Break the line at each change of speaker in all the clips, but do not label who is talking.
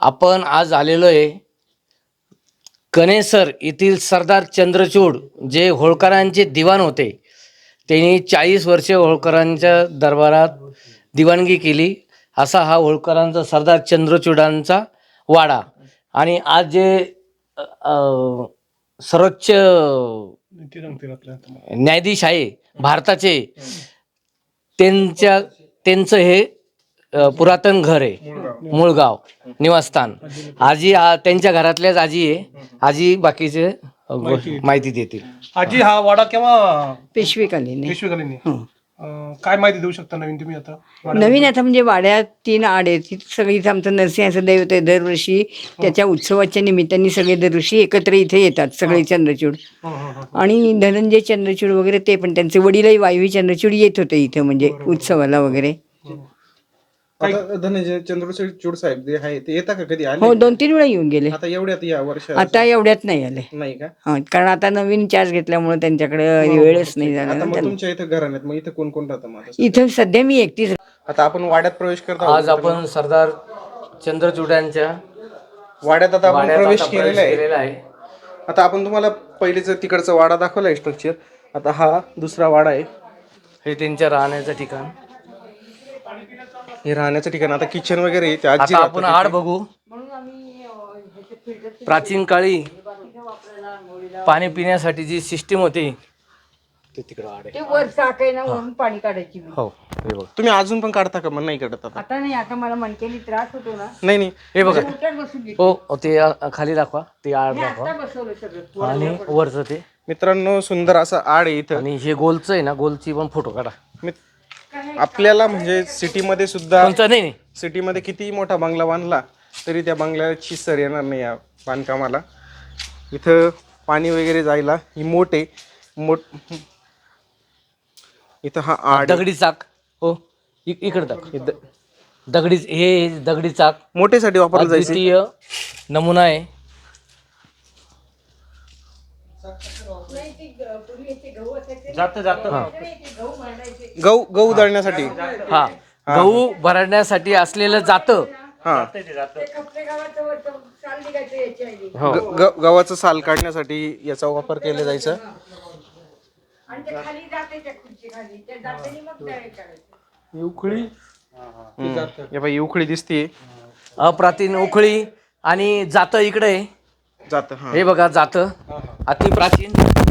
आपण आज आलेलो आहे कणेसर येथील सरदार चंद्रचूड जे होळकरांचे दिवाण होते. त्यांनी 40 वर्षे होळकरांच्या दरबारात दिवाणगी केली. असा हा होळकरांचा सरदार चंद्रचूडांचा वाडा. आणि आज जे सर्वोच्च न्यायाधीश आहे भारताचे, त्यांचं हे पुरातन घर आहे, मुळगाव निवासस्थान. आजी त्यांच्या घरातल्याच आजी आहे. आजी बाकीचे माहिती देतील.
आजी, हा वाडा केव्हा
पेशवेकालीन
पेशवेकालीन काय माहिती देऊ शकता नवीन तुम्ही आता
नवीन आता म्हणजे वाड्यात 3 आड आहेत. तिथं सगळी इथं आमचं नरसिंहाचं दैवत आहे. दरवर्षी त्याच्या उत्सवाच्या निमित्ताने सगळे दरवर्षी एकत्र इथे येतात सगळे चंद्रचूड. आणि धनंजय चंद्रचूड वगैरे ते पण त्यांचे वडीलही वायवी चंद्रचूड येत होते इथं म्हणजे उत्सवाला वगैरे.
धनंजय चंद्रचूड साहेब जे आहे ते येतात का कधी आले?
हो, 2-3 वेळा येऊन गेले.
आता एवढ्यात या वर्षात
आता एवढ्यात नाही आले.
नाही का?
हा, कारण आता नवीन चार्ज घेतल्यामुळे त्यांच्याकडे वेळच नाही झाला
आता
ना
मग
त्यांना.
तुमच्या इथं घराण्यात मग इथं कोण कोण राहतं मग आता?
इथं सध्या मी एकटीच.
आता आपण वाड्यात प्रवेश करतो.
आज आपण सरदार चंद्रचूडांच्या
वाड्यात आता आपण
वाड्यात
प्रवेश
आता
केलेला आहे.
केलेला आहे.
आता आपण तुम्हाला पहिलेच तिकडचा वाडा दाखवलाय स्ट्रक्चर. आता हा दुसरा वाडा आहे.
हे त्यांच्या राहण्याचं ठिकाण.
हे राहण्याचं ठिकाण. आता किचन वगैरे आहे, ते आजी
आता आपण
राहतात
आड बघू. प्राचीन काळी पाणी पिण्यासाठी जी सिस्टीम होती ते तिकडं आड आहे.
ते वर टाकाय ना वरून पाणी काढायची.
हो, हे बघा.
तुम्ही अजून पण काढता का? मग नाही काढत आता?
आता नाही, आता मला मणक्यानी त्रास होतो ना.
नाही
हे बघा.
उलट्यात बसून घेते.
हो, ते खाली दाखवा, ते आड
आता
दाखवा.
बसवलं सगळं.
आणि वरचं ते.
मित्रांनो, सुंदर असं आड आहे इथं.
आणि हे गोलचं आहे ना, गोलची पण फोटो काढा.
आपल्याला म्हणजे सिटीमध्ये सुद्धा,
कोणचं नाही नाही.
सिटीमध्ये किती मोठा बंगला बांधला तरी त्या बंगल्याची सर येणार नाही या बांधकामाला. इथं पाणी वगैरे जायला ही मोठ आहे. इथं हा आड
दगडी चाक. हो, इकडे दाख. दगडी, हे दगडी चाक
मोठेसाठी वापरलं जायचं.
अद्वितीय नमुना आहे.
जात जात
गहू दळण्यासाठी.
हा, गहू भरण्यासाठी असलेलं जातं.
हा,
हो,
गव्हाचं साल काढण्यासाठी याचा वापर केला जायचा.
उखळी
या बाई उखळी दिसते.
अप्राचीन उखळी आणि जातं इकडे आहे.
जात.
हे बघा, जातं अति प्राचीन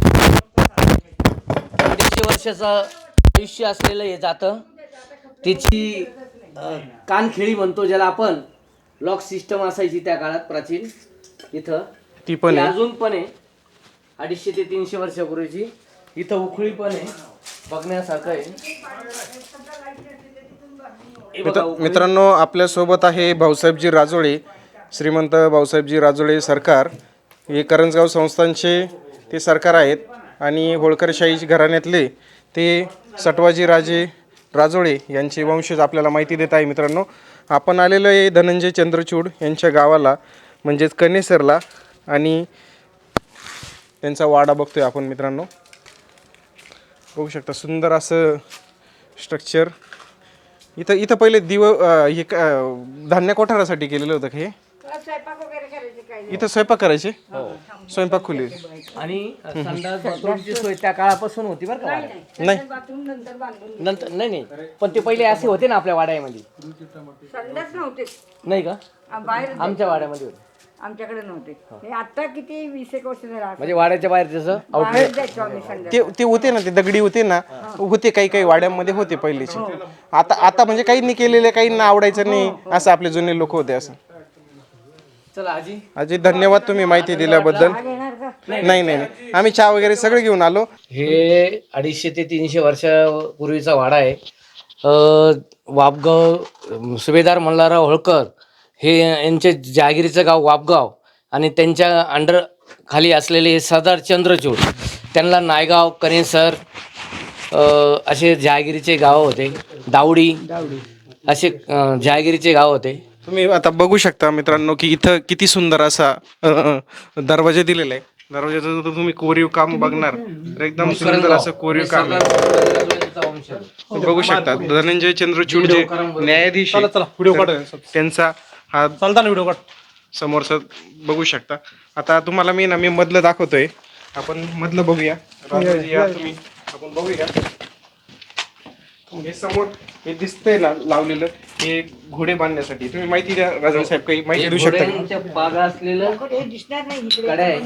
150 वर्षाचं आयुष्य असलेलं हे जातं. त्याची कानखिळी म्हणतो ज्याला आपण, लॉक सिस्टम असायची त्या काळात प्राचीन. इथं
ती पण आहे.
अजून पण आहे, 250 ते 300 वर्षापूर्वीची. इथं उखळी पण आहे, बघण्यासारखं आहे. हे बघा, उखळी.
मित्रांनो, आपल्यासोबत आहे भाऊसाहेबजी राजोळे, श्रीमंत भाऊसाहेबजी राजोळे सरकार. हे करंजगाव संस्थानचे ते सरकार आहेत. आणि होळकरशाही घराण्यातले ते सटवाजी राजे राजोळे यांचे वंशज आपल्याला माहिती देत आहे. मित्रांनो, आपण आलेलो आहे धनंजय चंद्रचूड यांच्या गावाला, म्हणजेच कणेसरला. आणि त्यांचा वाडा बघतोय आपण. मित्रांनो, बघू शकता सुंदर असं स्ट्रक्चर. इथं पहिले हे धान्य कोठारासाठी केलेलं होतं. हे इथं स्वयंपाक करायचे. स्वयंपाक खोली.
आणि संडास बाथरूमची सोय त्या काळापासून होती बरं का.
नाही,
नंतर नाही, पण ते पहिले असे होते ना आपल्या वाड्यामध्ये.
संडास नव्हते
नाही का?
बाहेर,
आमच्या वाड्यामध्ये होते.
आमच्याकडे नव्हते. हे आता किती 20 वर्ष झाला.
म्हणजे वाड्याच्या बाहेर त्याचं
बाहेर जायचो आम्ही संडास.
ते होते ना, ते दगडी होते ना, होते काही वाड्यामध्ये होते पहिलेचे. आता म्हणजे काहींनी केलेले, काहींना आवडायचं नाही, असं आपले जुने लोक होते. असं.
चला आजी.
अजय, धन्यवाद तुम्ही माहिती दिल्याबद्दल. नाही, आम्ही चहा वगैरे सगळे घेऊन आलो.
हे 250 ते 300 वर्षापूर्वीचा वाडा आहे. वापगाव सुभेदार मल्हारराव होळकर हे यांचे जहागिरीचं गाव वापगाव. आणि त्यांच्या अंडर खाली असलेले हे सरदार चंद्रचूड, त्यांना नायगाव, कणेसर असे जहागिरीचे गाव होते. दावडी असे जहागिरीचे गाव होते.
तुम्ही आता बघू शकता मित्रांनो की इथं किती सुंदर असा दरवाजा दिलेला आहे. दरवाजाचं जर तुम्ही कोरीव काम बघणार तर एकदम सुंदर असं कोरीव काम आहे. बघू शकता धनंजय चंद्रचूड जे न्यायाधीश आहेत, त्यांचा हा
चालता ना व्हिडिओ काढ.
समोरचं बघू शकता. आता तुम्हाला मी मधलं दाखवतोय, आपण मधलं बघूया. राजूजी या तुम्ही, आपण बघूया. हे समोर हे दिसतंय ना लावलेलं, हे घोडे बांधण्यासाठी. तुम्ही माहिती द्या राजू साहेब, काही माहिती देऊ शकता का?
घोड्यांच्या बागा असलेलं कडे आहे.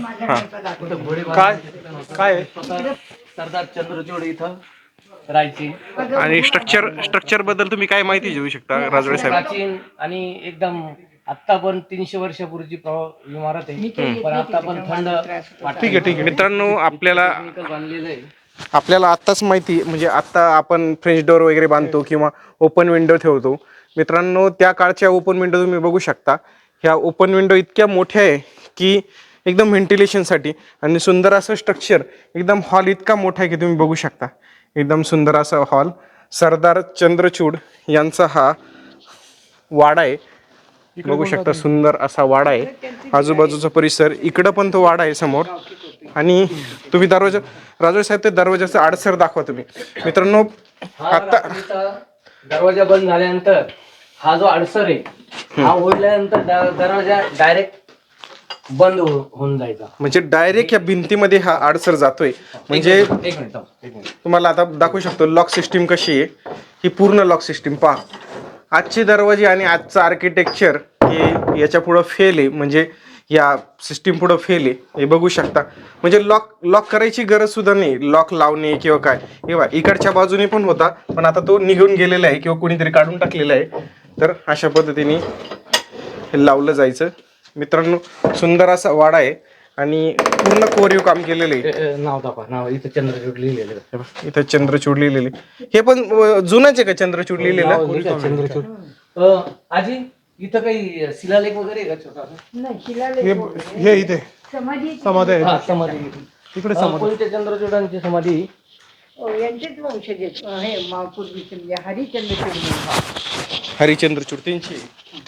काय काय आहे?
सरदार चंद्रचूड इथं राहायची.
आणि स्ट्रक्चर बद्दल तुम्ही काय माहिती देऊ शकता राजू साहेब?
प्राचीन आणि एकदम आत्ता पण 300 वर्षापूर्वीची इमारत आहे, पण आता पण थंड
ठीक आहे. मित्रांनो, आपल्याला
बांधलेलं आहे.
आत्ताच माहिती, म्हणजे आत्ता आपण फ्रेंच डोअर वगैरे बांधतो किंवा ओपन विंडो ठेवतो. मित्रांनो, त्या काळच्या ओपन विंडो तुम्ही बघू शकता. ह्या ओपन विंडो इतक्या मोठ्या आहे की एकदम व्हेंटिलेशनसाठी, आणि सुंदर असं स्ट्रक्चर, एकदम हॉल इतका मोठा आहे की तुम्ही बघू शकता. एकदम सुंदर असा हॉल. सरदार चंद्रचूड यांचा हा वाडा आहे. बघू शकता, सुंदर असा वाडा आहे. आजूबाजूचा परिसर, इकडं पण तो वाडा आहे समोर. आणि तुम्ही राजू साहेब ते दरवाजाचा आडसर दाखवा तुम्ही. मित्रांनो, आता
दरवाजा बंद झाल्यानंतर हा जो आडसर आहे, हा ओढल्यानंतर दरवाजा डायरेक्ट बंद होऊन जायचा.
म्हणजे डायरेक्ट या भिंतीमध्ये हा आडसर जातोय. म्हणजे
एक मिनिट.
तुम्हाला आता दाखवू शकतो लॉक सिस्टीम कशी आहे. ही पूर्ण लॉक सिस्टीम पहा. आजचे दरवाजे आणि आजचं आर्किटेक्चर हे याच्या पुढं फेल आहे, म्हणजे या सिस्टीम पुढं फेल आहे. हे बघू शकता. म्हणजे लॉक करायची गरज सुद्धा नाही, लॉक लावणे किंवा काय. हे बघा, इकडच्या बाजूने पण होता, पण आता तो निघून गेलेला आहे किंवा कोणीतरी काढून टाकलेला आहे. तर अशा पद्धतीने हे लावलं जायचं. मित्रांनो, सुंदर असा वाडा आहे आणि पूर्ण कोरीव काम केलेलं आहे.
नाव दाखवा. नाव इथं चंद्रचूड लिहिलेलं आहे.
इथं चंद्रचूड लिहिलेले. हे पण जुनंच आहे का चंद्रचूड लिहिलेलं?
चंद्रचूड. आजी, इथं काही शिलालेख वगैरे आहे का छोटा?
हे इथे समाधी आहे.
हा, समाधी.
इकडे समाधी.
कोणत्या चंद्रचूडांची समाधी?
यांचेच वंशज आहेत. हे पूर्वीचे म्हणजे हरिचंद्रचूड.
हरिचंद्रचूड त्यांची.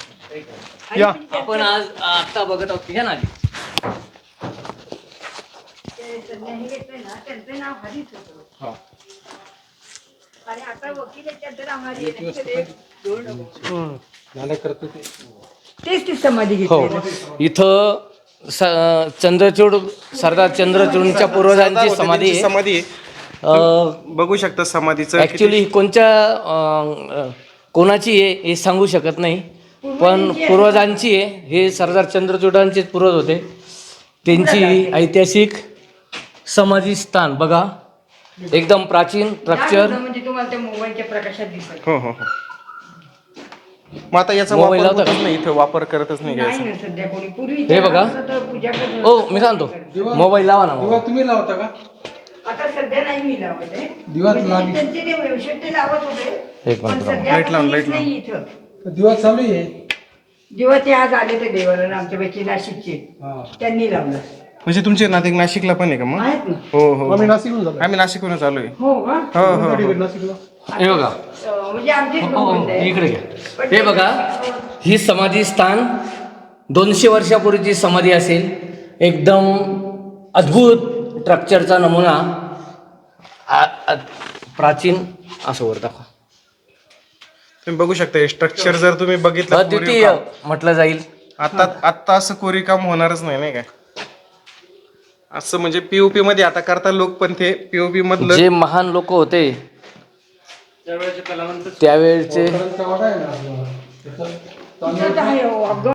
या
आपण आज आता बघत आहोत. घ्या ना आजी.
त्यांचं नाव हरीच होतं.
हा.
आणि आता वकील आहेत, त्यांचं नाव हरी आहे. तेच ती समाधी
हो,
घेतली.
इथं चंद्रचूड, सरदार चंद्रचूडच्या पूर्वजांची समाधी आहे.
समाधी बघू शकता समाधीचं.
ऍक्च्युली कोणाची आहे हे सांगू शकत नाही, पण पूर्वजांची आहे. हे सरदार चंद्रचूडांचे पूर्वज होते. त्यांची ऐतिहासिक समाधी स्थान बघा, एकदम प्राचीन स्ट्रक्चर.
म्हणजे तुम्हाला त्या मोबाईलच्या प्रकाशात दिसत
हो. मग आता याचा
मोबाईल
वापर
लावता
होतच नाही, इथं वापर करतच नाही
नाही
याचा.
ना सध्या कोणी. पूर्वी
हे बघा.
पूजा करत
हो, मी सांगतो, मोबाईल लावा ना. मोबाईल.
तुम्ही लावता का?
आता सध्या नाही मी लावत आहे.
दिवा
म्हणजे त्यांचे ते वंशज ते लावत होते,
एक
पण
मिनिट.
सध्या
लाईट लावून,
कोणीच
लाईट
नाही इथं.
दिवा चालू आहे.
जेव्हा ते आज आले ते देवाला आमच्यापैकी नाशिकचे, त्यांनी लावलं.
म्हणजे तुमचे नाते नाशिकला पण आहे का मग?
आहेत ना.
हो.
आम्ही नाशिकहून झालो.
आम्ही नाशिकहूनच आलोय.
हो का?
हो.
नाशिकला.
हे बघा.
म्हणजे आमचेच
हो,
भावंड आहे.
इकडे घ्या. हे बघा, ही समाधी स्थान 200 वर्षापूर्वीची समाधी असेल. एकदम अद्भुत स्ट्रक्चरचा नमुना. प्राचीन असं वर दाखवा.
तुम्ही बघू शकता स्ट्रक्चर जर तुम्ही बघितलं
अद्वितीय म्हटलं जाईल.
आता असं कोरीव काम होणारच नाही काय? असं म्हणजे पीओपी मध्ये आता करता लोक, पण ते पीओपी मधलं
जे महान लोक होते त्यावेळचे
इथं तर आहे,